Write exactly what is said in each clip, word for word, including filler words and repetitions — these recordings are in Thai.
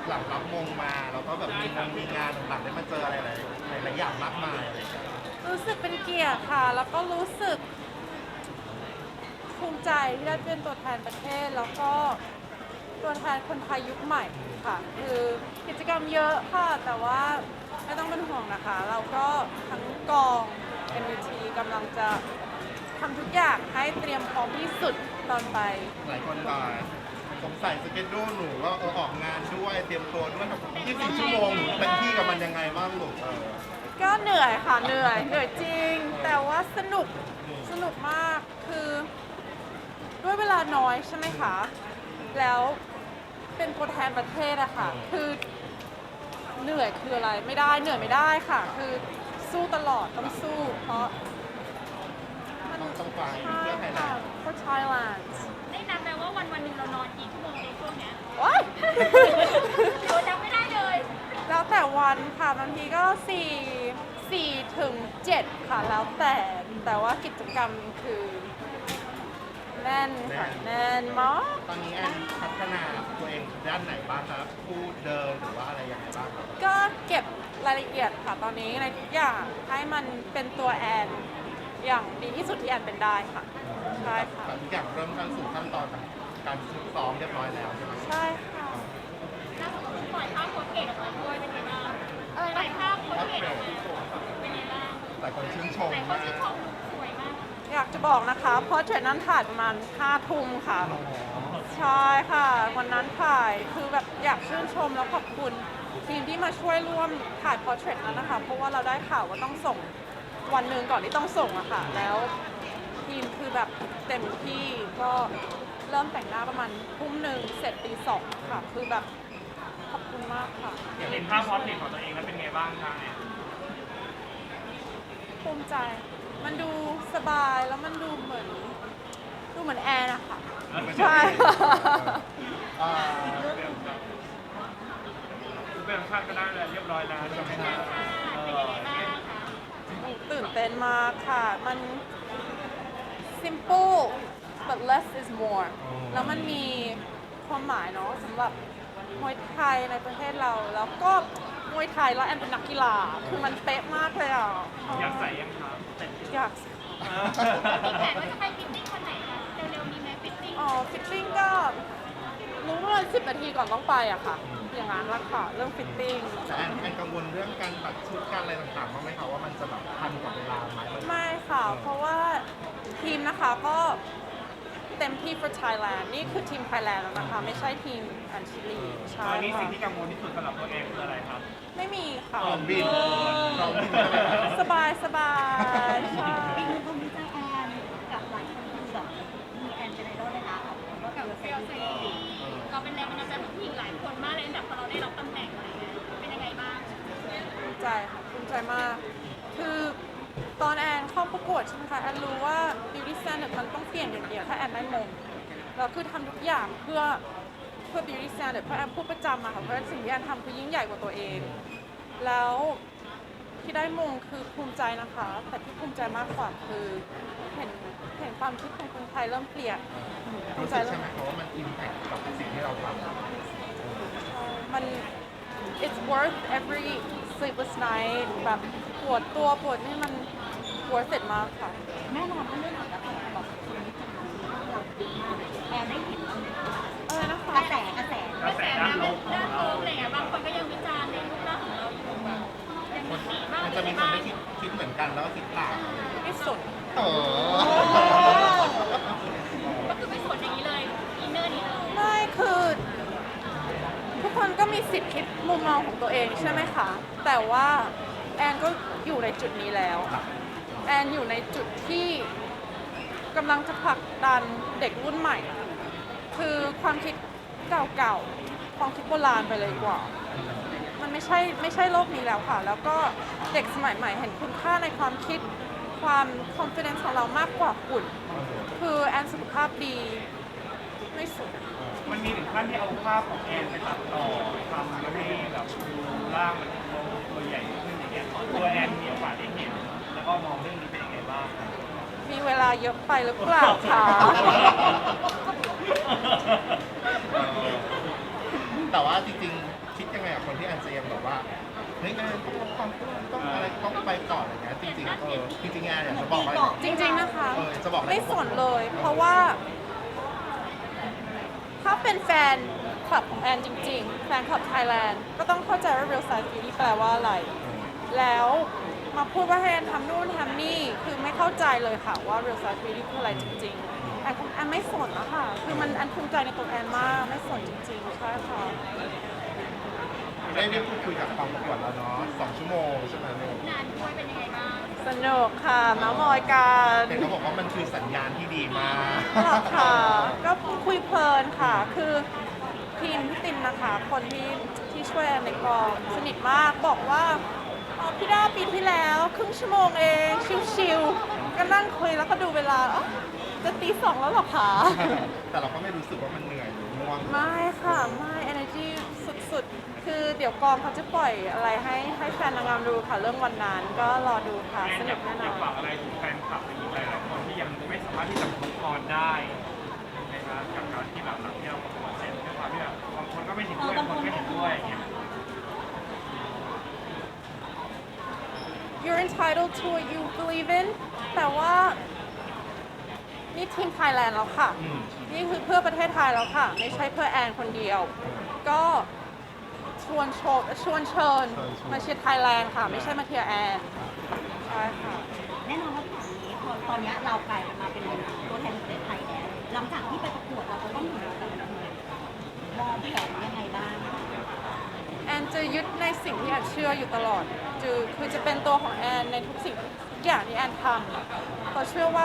หลังรับมงมาเราก็แบบมีงานมีงานต่างๆได้มาเจออะไรหลายหลายๆอย่างมากมายอะไรอย่างเงี้ยรู้สึกเป็นเกียรติค่ะ แล้วก็รู้สึกภูมิใจที่ได้เป็นตัวแทนประเทศ แล้วก็ตัวแทนคนไทยยุคใหม่ค่ะ คือกิจกรรมเยอะค่ะ แต่ว่าไม่ต้องเป็นห่วงนะคะ เราก็ทั้งกอง เอ็ม วี ที กำลังจะทำทุกอย่างให้เตรียมพร้อมที่สุดตอนไปหลายคนก็สงสัยสเกจดูหนูว่าเออออกงานด้วยเตรียมตัวด้วยแบบยี่สิบสี่ชั่วโมงหนูเป็นที่กับมันยังไงบ้างลูกเออก็เหนื่อยค่ะเหนื่อยเหนื่อยจริง แต่ว่าสนุกสนุกมากคือด้วยเวลาน้อยใช่ไหมคะ แล้วเป็นตัวแทนประเทศอะค่ะ คือเหนื่อยคืออะไรไม่ได้เหนื่อยไม่ได้ค่ะ คือสู้ตลอดต้องสู้ เพราะมันต้องต้องไปใช่เพื่อไทยแลค่ะนด์ for Thailand ได้นับไหมว่าวันวันหนึ่งเรานอนกี่ชั่วโมงในช่วงเนี้ยว้ายเราจำไม่ได้เลยแล้วแต่วันค่ะบางทีก็สี่สี่ถึงเจ็ดค่ะแล้วแต่แต่ว่ากิจกรรมคือแน่นค่ะแน่นมากตอนนี้แอนพัฒนาตัวเองด้านไหนบ้างครับพูดเดินหรือว่าอะไรยังไงบ้างครับก็เก็บรายละเอียดค่ะตอนนี้ในทุกอย่างให้มันเป็นตัวแอนอย่างดีที่สุดที่แอนเป็นได้ค่ะใช่ค่ะแต่ทุกอย่างเริ่มเข้าสู่ขั้นตอนการฝึกซ้อมเรียบร้อยแล้วใช่ไหมใช่ค่ะล่าสุดเราปล่อยภาพโค้ดเกตออกมาด้วยเป็นไงบ้างอะไรปล่อยนะภาพโค้ดเกตออกมาเป็นไงบ้างหลายคนชื่นชมหลายคนมากชื่นชมสวยมากอยากจะบอกนะคะเพราะเทรนนั้นถ่ายประมาณห้าทุ่มค่ะ ใช่ค่ะ วันนั้นถ่ายคือแบบอยากชื่นชมแล้วขอบคุณทีมที่มาช่วยร่วมถ่ายพอร์เทรตนั้นนะคะ เพราะว่าเราได้ข่าวว่าต้องส่งวันหนึ่งก่อนที่ต้องส่งอะค่ะ แล้วทีมคือแบบเต็มที่ก็เริ่มแต่งหน้าประมาณทุ่มหนึ่งเสร็จตีสองค่ะ คือแบบขอบคุณมากค่ะเห็นภาพพอร์ตเทรตของตัวเองแล้วเป็นไงบ้างคะแอนภูมิใจ มันดูสบายแล้วมันดูเหมือนดูเหมือนแอร์นะคะใช่อ่าคุณเป็นชาติก็ได้เลยเรียบร้อยแล้วใช่ไหมคะเออตื่นเต้นมากค่ะ มัน simple but less is more แล้วมันมีความหมายเนาะสำหรับมวยไทยในประเทศเรา แล้วก็มวยไทยแล้วแอนเป็นนักกีฬา คือมันเป๊ะมากเลยอ่ะอยากใส่ยังคะแต่อยากมีแผนว่าจะไปฟิตติ้งวันไหนคะเร็วๆมีไหมฟิตติ้งอ๋อฟิตติ้งก็รู้ประมาณสิบนาทีก่อนต้องไปอะค่ะ อย่างนั้นละค่ะ เรื่องฟิตติ้งแต่แอนแอนกังวลเรื่องการตัดชุดการอะไรต่างๆบ้างไหมคะว่ามันจะแบบทันกับเวลาไหมไม่ค่ะ เพราะว่าทีมนะคะก็เต็มที่ for Thailand นี่คือทีม Thailand แล้วนะคะ ไม่ใช่ทีมอันชิลีใช่ตอนนี้สิ่ค่ะงที่กังวลที่สุดสำหรับตัวเองคืออะไรครับไม่มีค่ะพร้อมบินพร้อมบินใช่ไหมครับสบายสบายใช่อีกหนึ่งคนมีใจแอนกับหลายคนคือแบบมีแอนเป็นไอดอลเลยนะกับกับเฟลซีเราเป็นแรงบันดาลใจของผู้หญิงหลายคนมากเลยแต่พอเราได้รับตำแหน่งอะไรเงี้ยเป็นยังไงบ้างภูมิใจค่ะภูมิใจมาก คือตอนแอนเข้าประกวดใช่ไหมคะ แอนรู้ว่า beauty standard มันต้องเปลี่ยนอย่างเดียวถ้าแอนได้มงเราคือทำทุกอย่างเพื่อเพื่อ beauty standard เพราะแอนพูดประจำอะค่ะเพราะสิ่งที่แอนทำคือยิ่งใหญ่กว่าตัวเอง แล้วที่ได้มงคือภูมิใจนะคะ แต่ที่ภูมิใจมากกว่าคือเห็นเห็นความคิดของคนไทยเริ่มเปลี่ยนภูรู้มิใจสึกเริ่ใช่มไหมคะว่ามันอิมแพคกับสิ่งที่เราทำมัน it's worth every sleepless night แบบปวดตัวปวดนี่มัน worth it มากค่ะแน่นอนว่าเรื่องของการแบบคนวิจารณ์เราดีมากแอนได้เห็นบ้างไหมคะอะไรนะคะกระแสกระแสกระแสด้านลบด้านลบอะไรเงี้ยบางคนก็ยังวิจารณ์ในรูปร่างของเราอยู่แบบยังมีสีบ้างมันหรืจะอมีอะไรคนบ้างไม่คิดคิดเหมือนกันแล้วก็คิดต่างไม่สุดโอ้ก็คือไม่สนอย่างนี้เลยอินเนอร์นี้เลยไม่คือ ทุกคนก็มีสิทธิ์คิดมุมมองของตัวเองใช่ไหมคะ แต่ว่าแอนก็อยู่ในจุดนี้แล้ว แอนอยู่ในจุดที่กำลังจะผลักดันเด็กรุ่นใหม่ คือความคิดเก่าๆ ความคิดโบราณไปเลยดีกว่า มันไม่ใช่ไม่ใช่โลกนี้แล้วค่ะ แล้วก็เด็กสมัยใหม่เห็นคุณค่าในความคิดความ confidence ของเรามากกว่าหุ่น คือแอนสุขภาพดีไม่สุดมันมีถึงขั้นที่เอาภาพของแอนไปตัดต่อทำแล้วให้แบบดูร่างมันตัวใหญ่ขึ้นอย่างเงี้ยตัวแอนมีโอกาสได้เห็นแล้วก็มองเรื่องนี้เป็นยังไงบ้างครับมีเวลาเยอะไปหรือเปล่าคะแต่ว่าจริงๆ คิดคนที่แอนจะยังแบบว่าเฮ้ยงานต้องลดความอ้วนต้องอะไรต้องไปก่อนอะไรเงี้ยจริงๆเออจริงๆแอนอยากจะบอกว่าจริงๆนะคะเออจะบอกอะไรไม่สนเลย เพราะว่า ถ้าเป็นแฟนคลับของแอนจริงๆ แฟนคลับไทยแลนด์ก็ต้องเข้าใจว่า real size beauty แปลว่าอะไร แล้วมาพูดว่าให้แอนทำนู่นทำนี่ คือไม่เข้าใจเลยค่ะว่า real size beauty คืออะไรจริงๆ แอนแอนไม่สนนะคะคือมันแอนภูมิใจในตัวแอนมาก ไม่สนจริงๆ ใช่ค่ะได้ได้พูดคุยกับกองประกวดแล้วเนาะสองชั่วโมงใช่ไหมลูกงานด้วยเป็นยังไงบ้างสนุกค่ะเมาส์มอยกันแต่เขาบอกว่ามันคือสัญญาณที่ดีมากหรอค่ะ ก็คุยเพลินค่ะ คือทีมพี่ตินนะคะ คนที่ที่ช่วยแอนในกองสนิทมาก บอกว่าอ๋อพี่ด้าปีที่แล้วครึ่งชั่วโมงเอง ชิวๆ ก็นั่งคุยแล้วก็ดูเวลาอ๋อจะตีสองแล้วเหรอคะแต่เราก็ไม่รู้สึกว่ามันเหนื่อยหรือง่วงไม่ค่ะ ไม่ energy สุดๆ คือเดี๋ยวกองเขาจะปล่อยอะไรให้ให้แฟนนางงามดูค่ะ เรื่องวันนั้นก็รอดูค่ะแอนสอนุยากกแน่นอยาอกฝาน กอะไรถึงแฟนคลับอีกหลายๆคนที่ยังไม่สามารถที่จะมุกออนได้นะครับกับการที่แบบหลังที่เราประกวดเสร็จด้วยความที่แบบบางคนก็ไม่เห็นด้วยบางคนไม่เห็นด้วยอย่างเงี้ย You're entitled to what you believe in แต่ว่านี่ทีมไทยแลนด์แล้วค่ะอืมนี่คือเพื่อประเทศไทยแล้วค่ะ ไม่ใช่เพื่อแอนคนเดียว ก็ชวนโชว์ชวนเชิญมาเชียร์ไทยแลนด์ค่ะ ไม่ใช่มาเชียร์แอนใช่ค่ะแน่นอนว่าที่แบบนี้พอตอนนี้เรากลายเป็นมาเป็นตัวแทนประเทศไทยแล้วหลังจากที่ไปประกวดเราจะต้องอยู่กับมองแผนยังไงบ้างแอนจะยึดในสิ่งที่แอนเชื่ออยู่ตลอดคือคือจะเป็นตัวของแอนในทุกสิ่งทุกอย่างที่แอนทำเพราะเชื่อว่า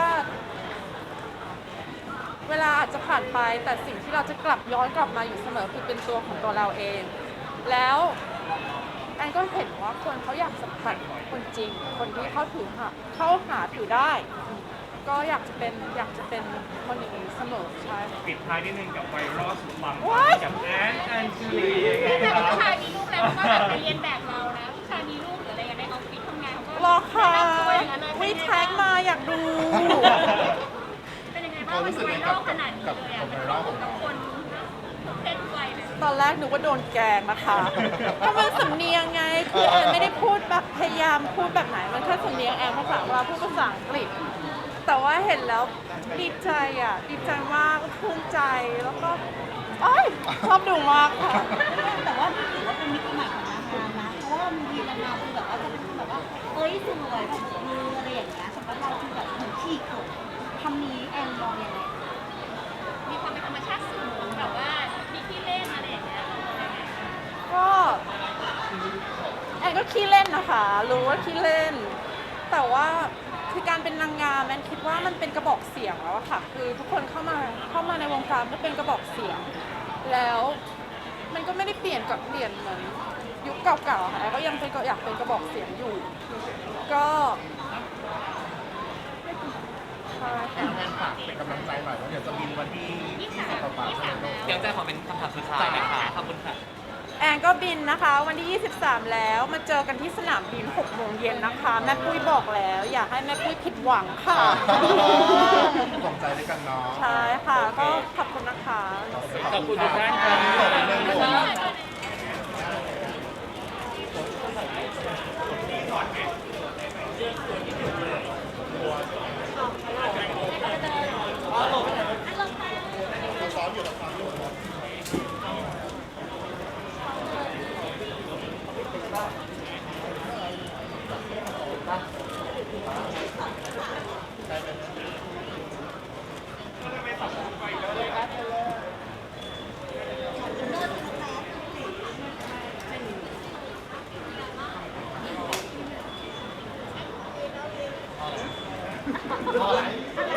เวลาอาจจะผ่านไปแต่สิ่งที่เราจะกลับย้อนกลับมาอยู่เสมอคือเป็นตัวของตัวเราเอง แล้วแอนก็เห็นว่าคนเขาอยากสัมผัสคนจริง คนที่เขาถือหาเข้าหาถือได้ ก็อยากจะเป็นอยากจะเป็นคนอย่างนี้เสมอใช่ปิดท้ายนิดนึงกับไวรัลสุดปัง What? กับแอนแอนจูลีแต่ครัผู้บชายมีลูกแล้วก็แบบไปเรียนแบบเรานะผู้ชายมีลูกหรืออะไรกันในออฟฟิศทำงานเขาก็รอค่ะแต่งตัวอย่างนั้นเลยวิแท็กมาอยากดูเป็นยังไงบ้างมันไวรัลขนาดนี้เลยอ่ะมันเข้าถึงกับคนทุกเพศทุกวัยเลยตอนแรกนึกว่าโดนแกล้งนะคะเพราะมันสำเนียงไง คือแอนไม่ได้พูดแบบพยายามพูดแบบไหน มันแค่สำเนียงแอนภาษาเราพูดภาษาอังกฤษ แต่ว่าเห็นแล้วดีใจอ่ะ ดีใจมากภูมิใจ แล้วก็เอ้ยชอบดูมากค่ะแต่ว่านี่ถือว่าเป็นมิติใหม่ของนางงามนะ เพราะว่ามีนางงามคือแบบว่าจะเป็นแบบว่าเอ้ยสวยแบบมืออะไรอย่างเงี้ยสำหรับเราคือแบบเหมือนขี้ขดคำนี้แอนมองยังไงมีความเป็นธรรมชาติสูงแบบว่ามีที่เล่นอะไรอย่างเงี้ยก็แอนก็ขี้เล่นนะคะ รู้ว่าขี้เล่น แต่ว่าคือการเป็นนางงามแอนคิดว่ามันเป็นกระบอกเสียงแล้วอะค่ะ คือทุกคนเข้ามาเข้ามาในวงการก็เป็นกระบอกเสียง แล้วมันก็ไม่ได้เปลี่ยนกับเปลี่ยนเหมือนยุคเก่าๆค่ะแอนก็ยังเป็นก็อยากเป็นกระบอกเสียงอยู่ ก็ใช่ค่ะแอนฝากเป็นกำลังใจหน่อยว่าเดี๋ยวจะบินวันที่ยี่สิบกว่าใช่ไหมลูกเดี๋ยวจะขอเป็นคำถามสุดท้ายนะคะขอบคุณค่ะแอนก็บินนะคะ วันที่ ยี่สิบสาม แล้วมาเจอกันที่สนามบินหกโมงเย็นนะคะ แม่ปุ้ยบอกแล้ว อยากให้แม่ปุ้ยผิดหวังค่ะส่งใจด้วยกันเนาะใช่ค่ะ ก็ขอบคุณนะคะขอบคุณทุกท่านครับขอบคุณเรื่องลูก ซ้อมอยู่กับซ้อมอยู่พอไหน